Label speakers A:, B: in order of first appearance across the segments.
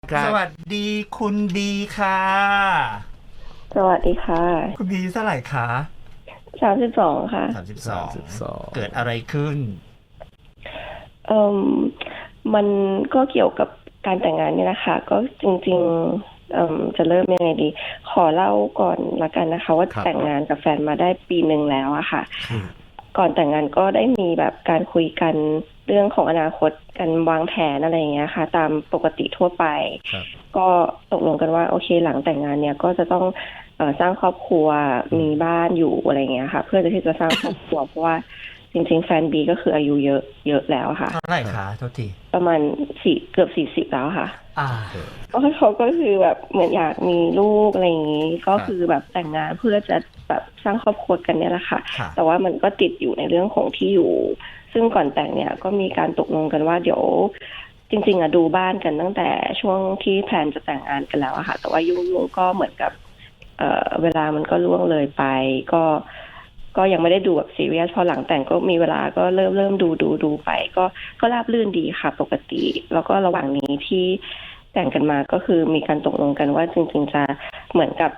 A: ครับ
B: สวัสดีคุณบีค่ะ
C: สวัสดีค่ะ
B: คุณบีเท่าไหร่คะ
C: 32ค่ะ
B: 32เกิดอะไรขึ้น
C: เอ่มมันก็เกี่ยวกับการแต่งงานนี่แหละค่ะก็จริงๆจะเริ่มยังไงดีขอเล่าก่อนละกันนะคะว่าแต่งงานกับแฟนมาได้ปีหนึ่งแล้วอะค่ะก่อนแต่งงานก็ได้มีแบบการคุยกันเรื่องของอนาคตกันวางแผนอะไรอย่างเงี้ยค่ะตามปกติทั่วไปก็ตกลงกันว่าโอเคหลังแต่งงานเนี่ยก็จะต้องสร้างครอบครัวมีบ้านอยู่อะไรอย่างเงี้ยค่ะเพื่อที่จะสร้างครอบครัวเพราะว่าจริงๆแฟนบีก็คืออายุเยอะแล้วค่ะ
B: เท่าไหร่คะโทษที
C: ประมาณเกือบ40แล้วค่ะ
B: อ่า
C: เพราะเขาก็คือแบบเหมือนอยากมีลูกอะไรอย่างนี้ก็คือแบบแต่งงานเพื่อจะแบบสร้างครอบครัวกันเนี่ยแหละค่ะแต่ว่ามันก็ติดอยู่ในเรื่องของที่อยู่ซึ่งก่อนแต่งเนี่ยก็มีการตกลงกันว่าเดี๋ยวจริงๆดูบ้านกันตั้งแต่ช่วงที่แพลนจะแต่งงานกันแล้วอะค่ะแต่ว่ายุ่งๆก็เหมือนกับเวลามันก็ล่วงเลยไปก็ยังไม่ได้ดูแบบซีเรียสพอหลังแต่งก็มีเวลาก็เริ่มดูไปก็ราบรื่นดีค่ะปกติแล้วก็ระหว่างนี้ที่แต่งกันมาก็คือมีการตกลงกันว่าจริงๆจะเหมือนกับ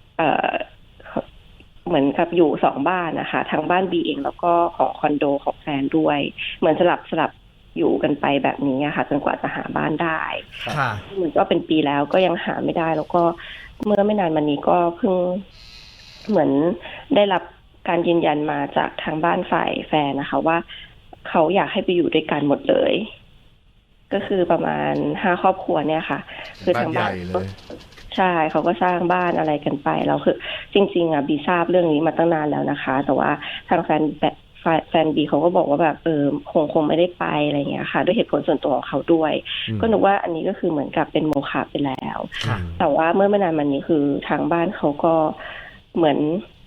C: เหมือนกับอยู่2บ้านนะคะทั้งบ้านบีเองแล้วก็ของคอนโดของแฟนด้วยเหมือนสลับอยู่กันไปแบบนี้ค่ะจนกว่าจะหาบ้านได้
B: ค่ะ
C: เหมือนก็เป็นปีแล้วก็ยังหาไม่ได้แล้วก็เมื่อไม่นานมานี้ก็เพิ่งเหมือนได้รับการยืนยันมาจากทางบ้านฝ่ายแฟนนะคะว่าเขาอยากให้ไปอยู่ด้วยกันหมดเลยก็คือประมาณ5ครอบครัวเนี่ยค่ะคือทางบ้านใช่เขาก็สร้างบ้านอะไรกันไปแล้วคือจริงๆบีทราบเรื่องนี้มาตั้งนานแล้วนะคะแต่ว่าทางแฟนบีเขาก็บอกว่าแบบคงไม่ได้ไปอะไรเงี้ยค่ะด้วยเหตุผลส่วนตัวของเขาด้วยก็นึกว่าอันนี้ก็คือเหมือนกับเป็นโมฆะไปแล้วแต่ว่าเมื่อไม่นานมานี้คือทางบ้านเขาก็เหมือน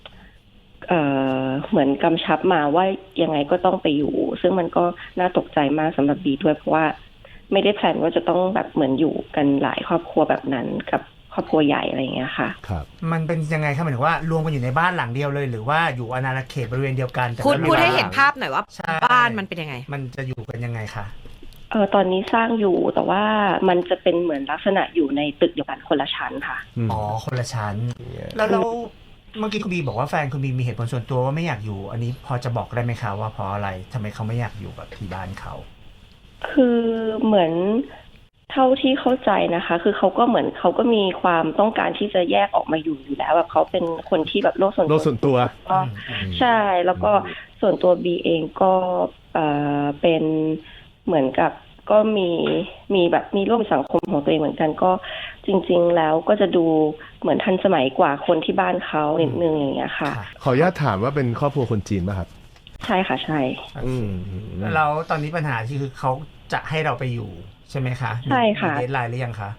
C: เหมือนกำชับมาว่ายังไงก็ต้องไปอยู่ซึ่งมันก็น่าตกใจมากสำหรับบีด้วยเพราะว่าไม่ได้แพลนว่าจะต้องแบบเหมือนอยู่กันหลายครอบครัวแบบนั้นกับครอบครัวใหญ่อะไรอย่างเงี้ยค่ะ
A: ครับ
B: มันเป็นยังไงครับหมายถึงว่ารวมกันอยู่ในบ้านหลังเดียวเลยหรือว่าอยู่อาณาเขตบริเวณเดียวกันแต่
D: พูดให้เห็นภาพหน่อยว่าบ้านมันเป็นยังไง
B: มันจะอยู่กันยังไงคะ
C: ตอนนี้สร้างอยู่แต่ว่ามันจะเป็นเหมือนลักษณะอยู่ในตึกเดียวกันคนละชั้นค่ะ
B: อ๋อคนละชั้นแล้วเมื่อกี้คุณบีบอกว่าแฟนคุณบีมีเหตุผลส่วนตัวว่าไม่อยากอยู่อันนี้พอจะบอกได้ไหมคะว่าเพราะอะไรทำไมเขาไม่อยากอยู่กับที่บ้านเขา
C: คือเหมือนเท่าที่เข้าใจนะคะคือเขาก็เหมือนเขาก็มีความต้องการที่จะแยกออกมาอยู่แล้วแบบเขาเป็นคนที่แบบโลกส่วนตัวก็ใช่แล้วก็ส่วนตัวบีเองก็เป็นเหมือนกับก็มีแบบมีร่วมสังคมของตัวเองเหมือนกันก็จริงๆแล้วก็จะดูเหมือนทันสมัยกว่าคนที่บ้านเขานิดนึงอย่างเงี้ยค่ะ
A: ขออนุญาตถามว่าเป็นครอบครัวคนจีนป่ะครับ
C: ใช่ค่ะใช่
B: แล้วตอนนี้ปัญหาที่คือเขาจะให้เราไปอยู่ใช่ไหมคะ
C: ใช่ค่ะ
B: มีเดดไลน์หรือยังคะ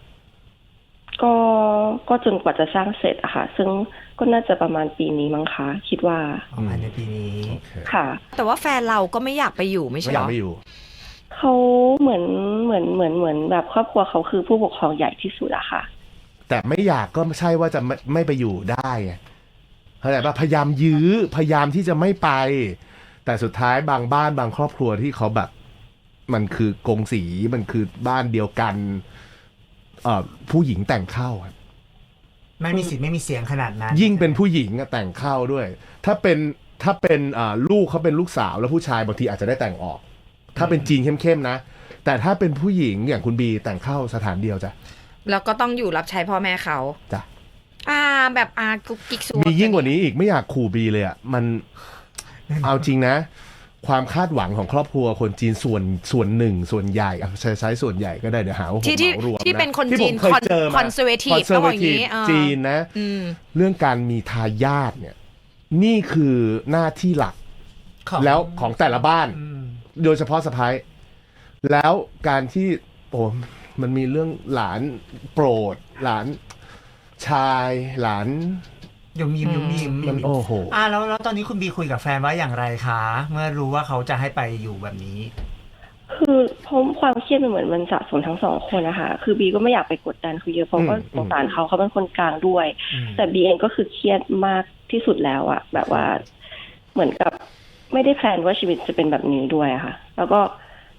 C: ก็จนกว่าจะสร้างเสร็จอะค่ะซึ่งก็น่าจะประมาณปีนี้มั้งคะคิดว่า
B: ประมาณในปีนี้
C: ค่ะ
D: แต่ว่าแฟนเราก็ไม่อยากไปอยู่ไม่ใช่หรอ
A: ไม่อยู่
C: เขาเหมือนแบบครอบครัวเขาคือผู้ปกครองใหญ่ที่สุดอะค่ะ
A: แต่ไม่อยากก็ไม่ใช่ว่าจะไม่ไปอยู่ได้เข้าใจป่ะพยายามยื้อพยายามที่จะไม่ไปแต่สุดท้ายบางบ้านบางครอบครัวที่เขาแบบมันคือกงสีมันคือบ้านเดียวกันผู้หญิงแต่งเข้า
B: ไม่มีสิทธิ์ไม่มีเสียงขนาดนั้น
A: ยิ่งเป็นผู้หญิงแต่งเข้าด้วยถ้าเป็นลูกเขาเป็นลูกสาวแล้วผู้ชายบางทีอาจจะได้แต่งออกถ้าเป็นจีนเข้มๆนะแต่ถ้าเป็นผู้หญิงอย่างคุณบีแต่งเข้าสถานเดียวจ้ะ
D: แล้วก็ต้องอยู่รับใช้พ่อแม่เขา
A: จ้ะ
D: แบบกุ๊กกิ๊กซู
A: มียิ่งกว่านี้อีกไม่อยากขู่บีเลยมันเอาจริงนะความคาดหวังของครอบครัวคนจีนส่วนหนึ่งส่วนใหญ่ใช้ส่วนใหญ่ก็ได้เดี๋ยวหาว่าผมเหมารวมนะ
D: ที่เป็นคนจีนคอนเซอร์เวทีฟก็อย่างนี้
A: จีนนะเรื่องการมีทายาทเนี่ยนี่คือหน้าที่หลักแล้วของแต่ละบ้านโดยเฉพาะสะใภ้แล้วการที่มันมีเรื่องหลานโปรดหลานชายหลาน
B: ยุ่มยิ้ม
A: มันโอ้โห
B: แล้วตอนนี้คุณบีคุยกับแฟนว่าอย่างไรคะเมื่อรู้ว่าเขาจะให้ไปอยู่แบบนี้
C: คือเพราะความเครียดมันเหมือนมันสะสมทั้งสองคนนะคะคือบีก็ไม่อยากไปกดดันเขาเยอะเพราะว่าสงสารเขาเป็นคนกลางด้วยแต่บีเองก็คือเครียดมากที่สุดแล้วอะแบบว่าเหมือนกับไม่ได้แพลนว่าชีวิตจะเป็นแบบนี้ด้วยค่ะแล้วก็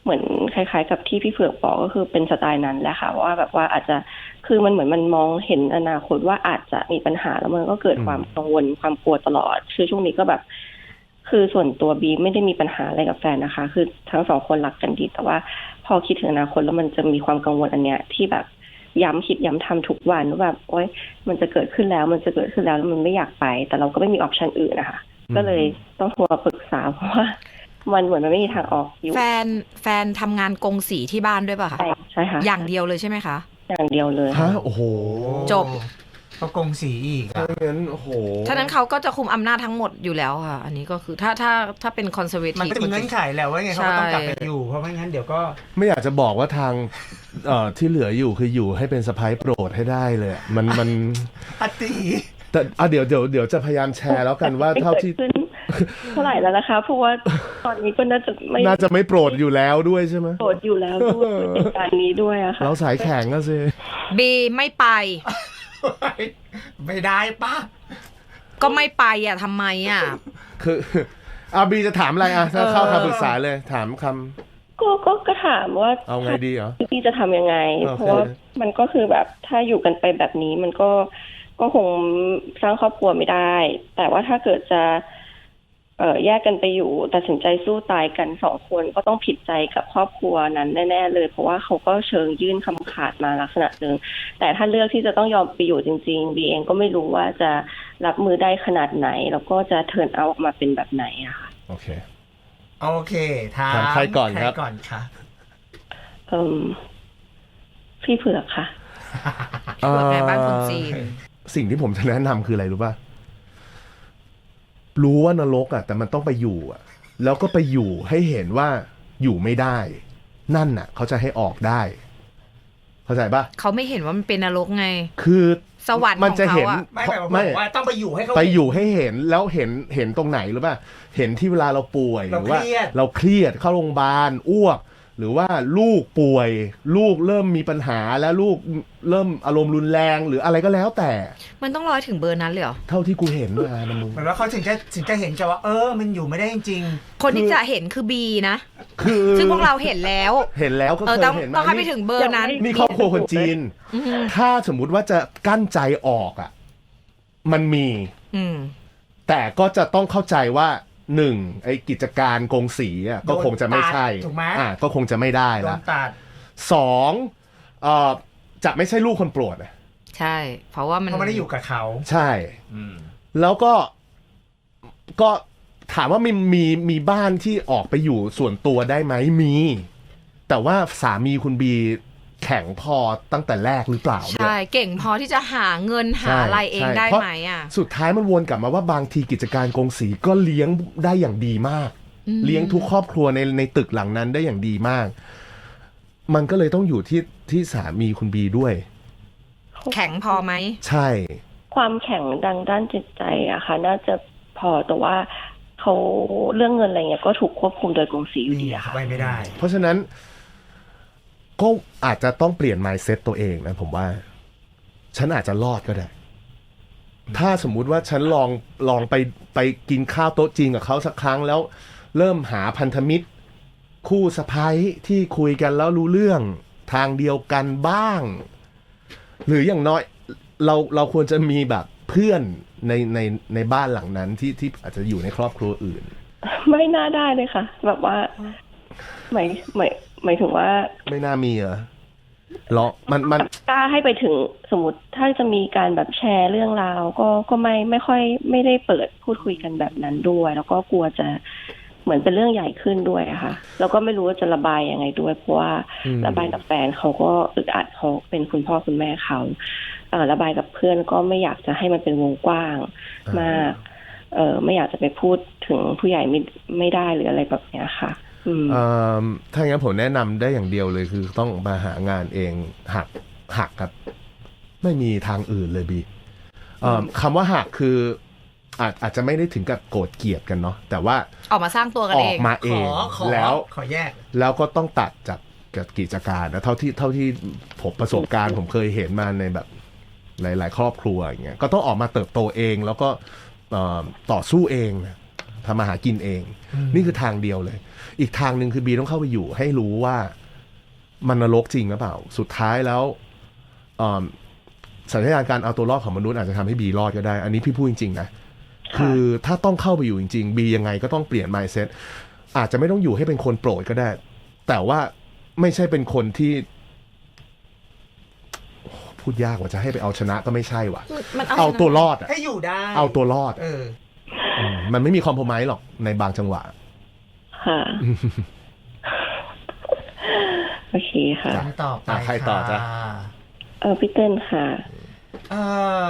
C: เหมือนคล้ายๆกับที่พี่เผือกบอกก็คือเป็นสไตล์นั้นแหละค่ะว่าแบบว่าอาจจะคือมันเหมือนมันมองเห็นอนาคตว่าอาจจะมีปัญหาแล้วมันก็เกิดความกังวลความกลัวตลอดคือช่วงนี้ก็แบบคือส่วนตัวบีไม่ได้มีปัญหาอะไรกับแฟนนะคะคือทั้งสองคนรักกันดีแต่ว่าพอคิดถึงอนาคตแล้วมันจะมีความกังวลอันเนี้ยที่แบบย้ำคิดย้ำทำทุกวันว่าแบบโอ๊ยมันจะเกิดขึ้นแล้วมันจะเกิดขึ้นแล้วมันไม่อยากไปแต่เราก็ไม่มีออปชันอื่นนะคะก็เลยต้องโทรมาปรึกษาเพราะว่ามันเหมือนมันไม่มีทางออกอยู่
D: แฟนทำงานกงสีที่บ้านด้วยป่ะคะ
C: ใช่ค่ะ
D: อย่างเดียวเลยใช่ไหมคะ
C: อย่างเดียวเลย
A: ฮะโอ้โห
D: จบ
B: ก็กงสีอีก
A: ถ้างั้นโอ้โห
D: ฉะนั้นเขาก็จะคุมอำนาจทั้งหมดอยู่แล้วค่ะอันนี้ก็คือถ้าเป็นคอนเซอร์เวทีฟ
B: มันก็จะมีเงื่อนไขแล้วว่าไงเขาก็ต้องกลับไปอยู่เพราะไม่งั้นเดี๋ยวก็
A: ไม่อยากจะบอกว่าทางที่เหลืออยู่คืออยู่ให้เป็นสะใภ้โปรดให้ได้เลยมัน
B: อติ
A: แต่เดี๋ยวจะพยายามแชร์แล้วกันว่าเท่าที่
C: เท่าไหร่แล้วนะคะเพราะว่าตอนนี้ก็น่าจะ
A: ไม่โปรดอยู่แล้วด้วยใช่ไหม
C: โปรดอยู่แล้วด้วยเหตุการณ์นี้ด้วยอะค่ะ
A: เราสายแข็งก็สิ
D: บีไม่ไป
B: ไม่ได้ป่ะ
D: ก็ไม่ไปอ่ะทำไมอ่ะ
A: คือบีจะถามอะไรถ้าเข้าคำปรึกษาเลยถามคำ
C: ก็ถามว่า
A: เอาไงดีเหรอ
C: พี่จะทำยังไงเพราะว่ามันก็คือแบบถ้าอยู่กันไปแบบนี้มันก็คงสร้างครอบครัวไม่ได้แต่ว่าถ้าเกิดจะแยกกันไปอยู่ตัดสินใจสู้ตายกัน2 คนก็ต้องผิดใจกับครอบครัวนั้นแน่ๆเลยเพราะว่าเขาก็เชิงยื่นคำขาดมาลักษณะนึงแต่ถ้าเลือกที่จะต้องยอมไปอยู่จริงๆบีเองก็ไม่รู้ว่าจะรับมือได้ขนาดไหนแล้วก็จะเทิร์นเอาออกมาเป็นแบบไหนอะค่ะ
A: โอเค
B: ถาม
A: ใครก่อนครับ
B: ก่อนค่ะ
C: พี่เผือกค่ะ
D: เผือกในบ้านคนจีน
A: สิ่งที่ผมจะแนะนำคืออะไรรู้ป่ะรู้ว่านรกแต่มันต้องไปอยู่แล้วก็ไปอยู่ให้เห็นว่าอยู่ไม่ได้นั่นเขาจะให้ออกได้เข้าใจป่ะ
D: เขาไม่เห็นว่ามันเป็นนรกไง
A: คือ
D: สวรรค์
A: มันจะเห็น
B: ไม่ว่าต้องไปอยู่ให้เขา
A: ไปอยู่ให้เห็นแล้วเห็นตรงไหนหรือป่ะเห็นที่เวลาเราป่วยหรือว่าเราเครียดเข้าโรงพยาบาลอ้วกหรือว่าลูกป่วยลูกเริ่มมีปัญหาแล้วลูกเริ่มอารมณ์รุนแรงหรืออะไรก็แล้วแต่
D: มันต้องร้อยถึงเบอร์นั้นเลยเหรอ
A: เท่าที่กูเห็นมานะมึง
B: เหมือนว่าเขาถึงจะเห็นจะว่ามันอยู่ไม่ได้จริง
D: คนที่จะเห็นคือบีนะซึ่งพวกเราเห็นแล้ว
A: ก็เคยเห็น
D: ต้องให้ไปถึงเบอร์นั้น
A: นี่ครอบครัวคนจีนถ้าสมมุติว่าจะกั้นใจออกมันมีแต่ก็จะต้องเข้าใจว่า1ไอ้กิจการกงสีก็คงจะไม่ใช่ก็คงจะไม่ได้ละ2จะไม่ใช่ลูกคนโปรด
D: ใช่เพราะว่ามัน
B: ไม่ได้อยู่กับเขา
A: ใช่แล้วก็ถามว่ามีบ้านที่ออกไปอยู่ส่วนตัวได้ไหมมีแต่ว่าสามีคุณบีแข็งพอตั้งแต่แรกหรือเปล่า
D: ใช่เก่งพอที่จะหาเงินหาอะไรเองได้ไหม
A: สุดท้ายมันวนกลับมาว่าบางทีกิจการกงสีก็เลี้ยงได้อย่างดีมากเลี้ยงทุกครอบครัวในตึกหลังนั้นได้อย่างดีมากมันก็เลยต้องอยู่ที่สามีคุณบีด้วย
D: แข็งพอไหม
A: ใช่
C: ความแข็งด้านจิตใจอะค่ะน่าจะพอแต่ว่าเขาเรื่องเงินอะไรเงี้ยก็ถูกควบคุมโดยกงสีอยู่ดีอะค่ะ
B: ไม่ได้
A: เพราะฉะนั้นก็อาจจะต้องเปลี่ยน mindset ตัวเองนะผมว่าฉันอาจจะรอดก็ได้ถ้าสมมุติว่าฉันลองไปกินข้าวโต๊ะจีนกับเขาสักครั้งแล้วเริ่มหาพันธมิตรคู่สะใภ้ที่คุยกันแล้วรู้เรื่องทางเดียวกันบ้างหรืออย่างน้อยเราควรจะมีแบบเพื่อนในบ้านหลังนั้นที่อาจจะอยู่ในครอบครัวอื่น
C: ไม่น่าได้เลยค่ะแบบว่าหมายถึงว่า
A: ไม่น่ามีเหรอมัน
C: กล้าให้ไปถึงสมมติถ้าจะมีการแบบแชร์เรื่องราวก็ไม่ค่อยไม่ได้เปิดพูดคุยกันแบบนั้นด้วยแล้วก็กลัวจะเหมือนเป็นเรื่องใหญ่ขึ้นด้วยอะค่ะแล้วก็ไม่รู้ว่าจะระบายยังไงด้วยเพราะว่าระบายกับแฟนเขาก็อึดอัดเขาเป็นคุณพ่อคุณแม่เขาระบายกับเพื่อนก็ไม่อยากจะให้มันเป็นวงกว้างมากไม่อยากจะไปพูดถึงผู้ใหญ่ไม่ได้หรืออะไรแบบเนี้ยค่ะ
A: ถ้างั้นผมแนะนำได้อย่างเดียวเลยคือต้องมาหางานเองหักครับไม่มีทางอื่นเลยบีคำว่าหักคืออาจจะไม่ได้ถึงกับโกรธเกลียดกันเนาะแต่ว่า
D: ออกมาสร้างตัวกันเอง
A: ออกมาเองแล้ว
B: ขอแยก
A: แล้วก็ต้องตัดจากกิจการนะเท่าที่ผมประสบการณ์ผมเคยเห็นมาในแบบหลายๆครอบครัวอย่างเงี้ยก็ต้องออกมาเติบโตเองแล้วก็ต่อสู้เองทำมาหากินเองนี่คือทางเดียวเลยอีกทางหนึ่งคือบีต้องเข้าไปอยู่ให้รู้ว่ามันนรกจริงหรือเปล่าสุดท้ายแล้วสัญญาณการเอาตัวรอดของมนุษย์อาจจะทำให้บีรอดก็ได้อันนี้พี่พูดจริงๆนะคือถ้าต้องเข้าไปอยู่จริงๆบียังไงก็ต้องเปลี่ยน mindset อาจจะไม่ต้องอยู่ให้เป็นคนโปรดก็ได้แต่ว่าไม่ใช่เป็นคนที่พูดยากว่าจะให้ไปเอาชนะก็ไม่ใช่ว่ะ
D: มัน
A: เอาตัวรอดอะ
B: ให้อยู่ได้
A: เอาตัวรอด มันไม่มีคอมโพไมซ์หรอกในบางจังหวะ
C: ค่ะ โอเคค่ะ
B: ต่อไป
A: ใครต่อจ๊ะ
C: พี่เติ้ลค่ะ
B: เออ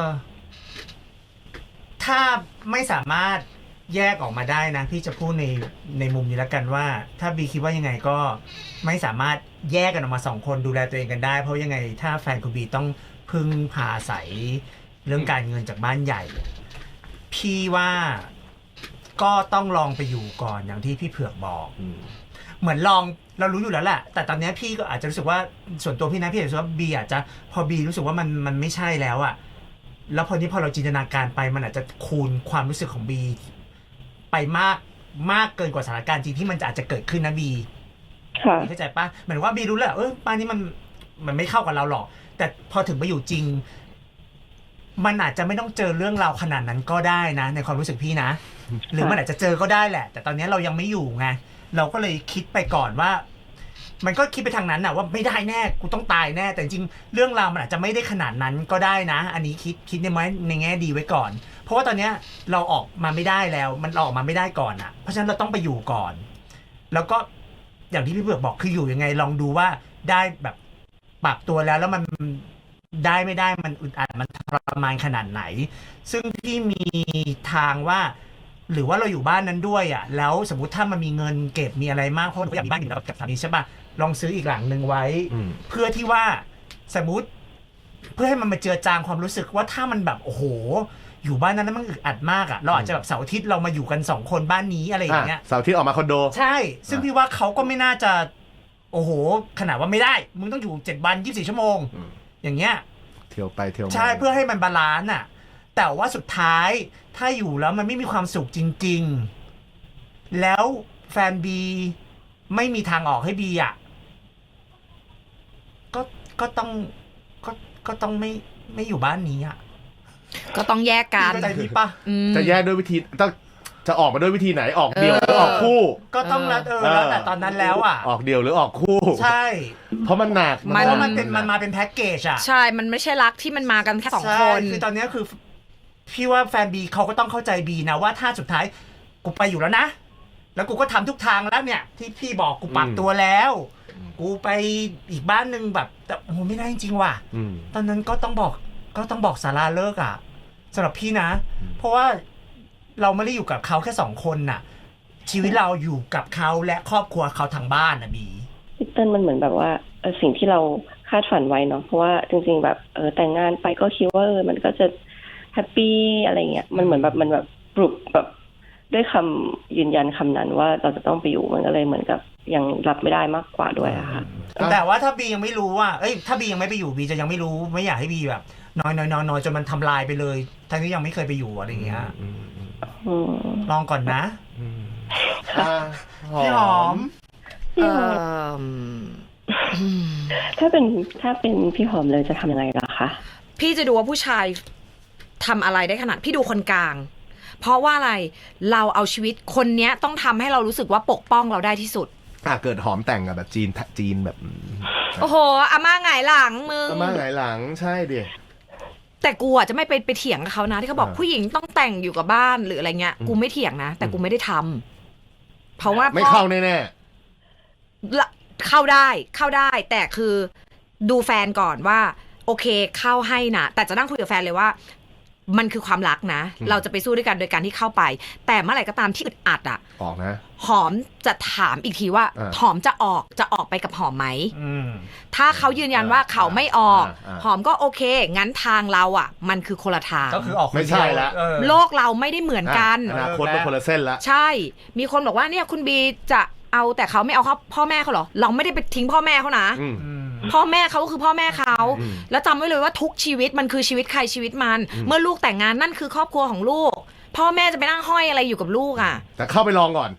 B: ถ้าไม่สามารถแยกออกมาได้นะพี่จะพูดในมุมนี้แล้วกันว่า ถ้าบีคิดว่ายังไงก็ไม่สามารถแยกกันออกมาสองคนดูแลตัวเองกันได้เพราะยังไงถ้าแฟนคุณบีต้องพึ่งพาอาศัยเรื่องการเงินจากบ้านใหญ่ พี่ว่าก็ต้องลองไปอยู่ก่อนอย่างที่พี่เผือกบอกเหมือนลองเรารู้อยู่แล้วแหละแต่ตอนนี้พี่ก็อาจจะรู้สึกว่าส่วนตัวพี่นะพี่รู้สึกว่าบีอาจจะพอบีรู้สึกว่ามันไม่ใช่แล้วอะแล้วพอเราจินตนาการไปมันอาจจะคูณความรู้สึกของบีไปมากเกินกว่าสถานการณ์จริงที่มันอาจจะเกิดขึ้นนะบีเข้าใจปะเหมือนว่าบีรู้แหละบ้านนี้มันไม่เข้ากับเราหรอกแต่พอถึงไปอยู่จริงมันอาจจะไม่ต้องเจอเรื่องราวขนาดนั้นก็ได้นะในความรู้สึกพี่นะหรือมันอาจจะเจอก็ได้แหละแต่ตอนนี้เรายังไม่อยู่ไงเราก็เลยคิดไปก่อนว่ามันก็คิดไปทางนั้นน่ะว่าไม่ได้แน่กูต้องตายแน่แต่จริงเรื่องราวมันอาจจะไม่ได้ขนาดนั้นก็ได้นะอันนี้คิดในแง่ดีไว้ก่อนเพราะว่าตอนนี้เราออกมาไม่ได้แล้วมันออกมาไม่ได้ก่อนอ่ะเพราะฉะนั้นเราต้องไปอยู่ก่อนแล้วก็อย่างที่พี่เบือกบอกคืออยู่ยังไงลองดูว่าได้แบบปรับตัวแล้วมันได้ไม่ได้มันอึดอัดมันทรมานขนาดไหนซึ่งพี่มีทางว่าหรือว่าเราอยู่บ้านนั้นด้วยอ่ะแล้วสมมุติถ้ามันมีเงินเก็บมีอะไรมากเพราะเราอยากมีบ้านอยู่กับสามีใช่ป่ะลองซื้ออีกหลังนึงไว้เพื่อที่ว่าสมมุติเพื่อให้มันมาเจือจางความรู้สึกว่าถ้ามันแบบโอ้โหอยู่บ้านนั้นมันอึดอัดมากอ่ะเราอาจจะแบบเสาร์อาทิตย์เรามาอยู่กัน2คนบ้านนี้อะไรอย่างเงี้ย
A: เสาร์อาทิตย์ออกมาคอนโด
B: ใช่ซึ่งพี่ว่าเขาก็ไม่น่าจะโอ้โหขนาดว่าไม่ได้มึงต้องอยู่7 วัน 24 ชั่วโมงอย่างเงี้ย
A: เที่ยวไปเที่ยวมา
B: ใช่เพื่อให้มันบาลานซ์อ่ะแต่ว่าสุดท้ายถ้าอยู่แล้วมันไม่มีความสุขจริงๆแล้วแฟนบีไม่มีทางออกให้บีอ่ะก็ต้องไม่อยู่บ้านนี้อ่ะ
D: ก็ต้องแยกกัน
B: เข้าใจพี่ปะ
A: จะแยกด้วยวิธีจะออกมาด้วยวิธีไหนออกเดี่ยวหรือออกคู่
B: ก็ต้องแล้วแต่ตอนนั้นแล้วอ่ะ
A: ออกเดี่ยวหรือออกคู่
B: ใช่
A: เพราะมันหนัก
B: เพราะมันมาเป็นแพ็กเกจอ่ะ
D: ใช่มันไม่ใช่รักที่มันมากันแค่2 คน
B: คือตอนนี้คือพี่ว่าแฟนบีเขาก็ต้องเข้าใจบีนะว่าถ้าสุดท้ายกูไปอยู่แล้วนะแล้วกูก็ทำทุกทางแล้วเนี่ยที่พี่บอกกูปรับตัวแล้วกูไปอีกบ้านนึงแบบแต่โอ้ไม่ได้จริงๆว่ะตอนนั้นก็ต้องบอกสาราเลิกอ่ะสำหรับพี่นะเพราะว่าเราไม่ได้อยู่กับเขาแค่2 คนน่ะชีวิตเราอยู่กับเขาและครอบครัวเขาทางบ้านนะบี
C: พี่เติ้ลมันเหมือนแบบว่าสิ่งที่เราคาดฝันไว้เนาะเพราะว่าจริงๆแบบแต่งงานไปก็คิดว่ามันก็จะแฮปปี้อะไรเงี้ยมันเหมือนแบบมันแบบปลุกแบบด้วยคำยืนยันคำนั้นว่าเราจะต้องไปอยู่มันก็เลยเหมือนกับยังรับไม่ได้มากกว่าด้วยอะค่ะ
B: แต่ว่าถ้าบียังไม่รู้ว่าถ้าบียังไม่ไปอยู่บีจะยังไม่รู้ไม่อยากให้บีแบบน้อยจนมันทำลายไปเลยทั้งที่ยังไม่เคยไปอยู่อะไรเงี้ยลองก่อนนะพี่หอม
C: ถ้าเป็นพี่หอมเลยจะทำยังไงล่ะคะ
D: พี่จะดูว่าผู้ชายทำอะไรได้ขนาดพี่ดูคนกลางเพราะว่าอะไรเราเอาชีวิตคนเนี้ยต้องทำให้เรารู้สึกว่าปกป้องเราได้ที่สุด
A: เกิดหอมแต่งกับแบบจีนแบบ
D: โอ้โหอาม่าหงายหลังมึง
A: อาม่าหงายหลังใช่ดิ
D: แต่กูอ่ะจะไม่ไปเถียงกับเขานะที่เขาบอกผู้หญิงต้องแต่งอยู่กับบ้านหรืออะไรเงี้ยกูไม่เถียงนะแต่กูไม่ได้ทำเพราะว่า
A: ไม่เข้าแน่
D: ๆเข้าได้แต่คือดูแฟนก่อนว่าโอเคเข้าให้นะแต่จะนั่งคุยกับแฟนเลยว่ามันคือความรักนะเราจะไปสู้ด้วยกันโดยการที่เข้าไปแต่เมื่อไหร่ก็ตามที่อึดอัดอ่ะ
A: ออกนะ
D: หอมจะถามอีกทีว่าหอมจะออกไปกับหอมไหมถ้าเขายืนยันว่าเขาไม่ออกหอมก็โอเคงั้นทางเราอ่ะมันคือคนละทาง
B: ก็คือออก
A: ไม่ใช่แล้ว
D: โลกเราไม่ได้เหมือนกัน
A: อนาคตเป็นคนละเส้นละ
D: ใช่มีคนบอกว่าเนี่ยคุณบีจะเอาแต่เขาไม่เอาเขาพ่อแม่เขาเหรอเราไม่ได้ไปทิ้งพ่อแม่เขานะพ่อแม่เขาก็คือพ่อแม่เขาแล้วจำไว้เลยว่าทุกชีวิตมันคือชีวิตใครชีวิตมันเมื่อลูกแต่งงานนั่นคือครอบครัวของลูกพ่อแม่จะไปนั่งห้อยอะไรอยู่กับลูกอ่ะ
A: แต่เข้าไปลองก่อน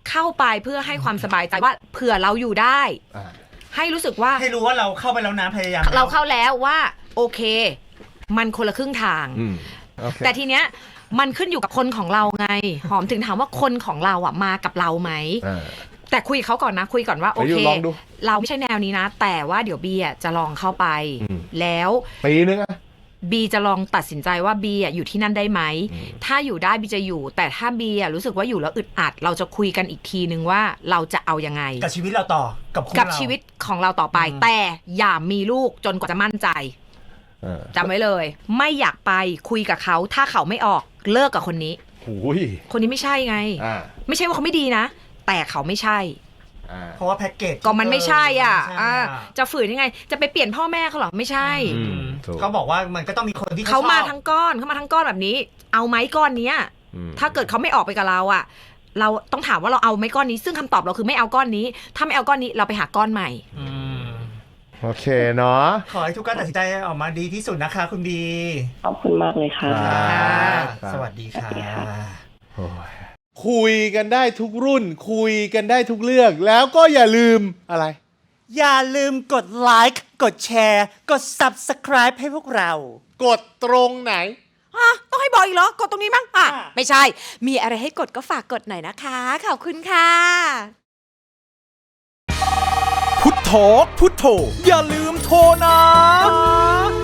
D: เข้าไปเพื่อให้ความสบายใจว่าเผื่อเราอยู่ได้ ให้รู้สึกว่า
B: ให้รู้ว่าเราเข้าไปแล้วนะพยายาม
D: เราเข้าแล้วว่าโอเคมันคนละครึ่งทาง
A: okay.
D: แต่ทีเนี้ยมันขึ้นอยู่กับคนของเราไง หอมถึงถามว่าคนของเราอ่ะมากับเราไหมแต่คุยเขาก่อนนะคุยก่อนว่าโอเคเราไม่ใช่แนวนี้นะแต่ว่าเดี๋ยวบีอ่ะจะลองเข้าไปแล้ว
A: ปีนึงอะ
D: บีจะลองตัดสินใจว่าบีอ่ะอยู่ที่นั่นได้ไหมถ้าอยู่ได้บีจะอยู่แต่ถ้าบีอ่ะรู้สึกว่าอยู่แล้วอึดอัดเราจะคุยกันอีกทีนึงว่าเราจะเอายังไง
B: กับชีวิตเราต่อกับ
D: ชีวิตของเราต่อไปแต่อย่ามีลูกจนกว่าจะมั่นใจจำไว้เลยไม่อยากไปคุยกับเขาถ้าเขาไม่ออกเลิกกับคนนี้คนนี้ไม่ใช่ไงไม่ใช่ว่าเขาไม่ดีนะแต่เขาไม่ใช่
B: เพราะว่าแพ็กเกจ
D: ก็มันไม่ใช่อ่ะจะฝืนยังไงจะไปเปลี่ยนพ่อแม่เขาหรอไม่ใช่
B: เขาบอกว่ามันก็ต้องมีคนที่
D: เขามาทั้งก้อนแบบนี้เอาไหมก้อนนี้ถ้าเกิดเขาไม่ออกไปกับเราอ่ะเราต้องถามว่าเราเอาไหมก้อนนี้ซึ่งคำตอบเราคือไม่เอาก้อนนี้ถ้าไม่เอาก้อนนี้เราไปหาก้อนใหม่
A: โอเคเนาะ
B: ขอให้ทุกการตัดสินใจออกมาดีที่สุดนะคะคุณบี
C: ขอบคุณมากเลยค่ะ
B: สวัสดีค่ะ
A: คุยกันได้ทุกรุ่นคุยกันได้ทุกเรื่องแล้วก็อย่าลืมอะไร
B: อย่าลืมกดไลค์กดแชร์กด Subscribe ให้พวกเรา
A: กดตรงไหน
D: ต้องให้บอกอีกเหรอกดตรงนี้มั้งไม่ใช่มีอะไรให้กดก็ฝากกดหน่อยนะคะขอบคุณค่ะ
E: พุทโธพุทโธอย่าลืมโทรนะ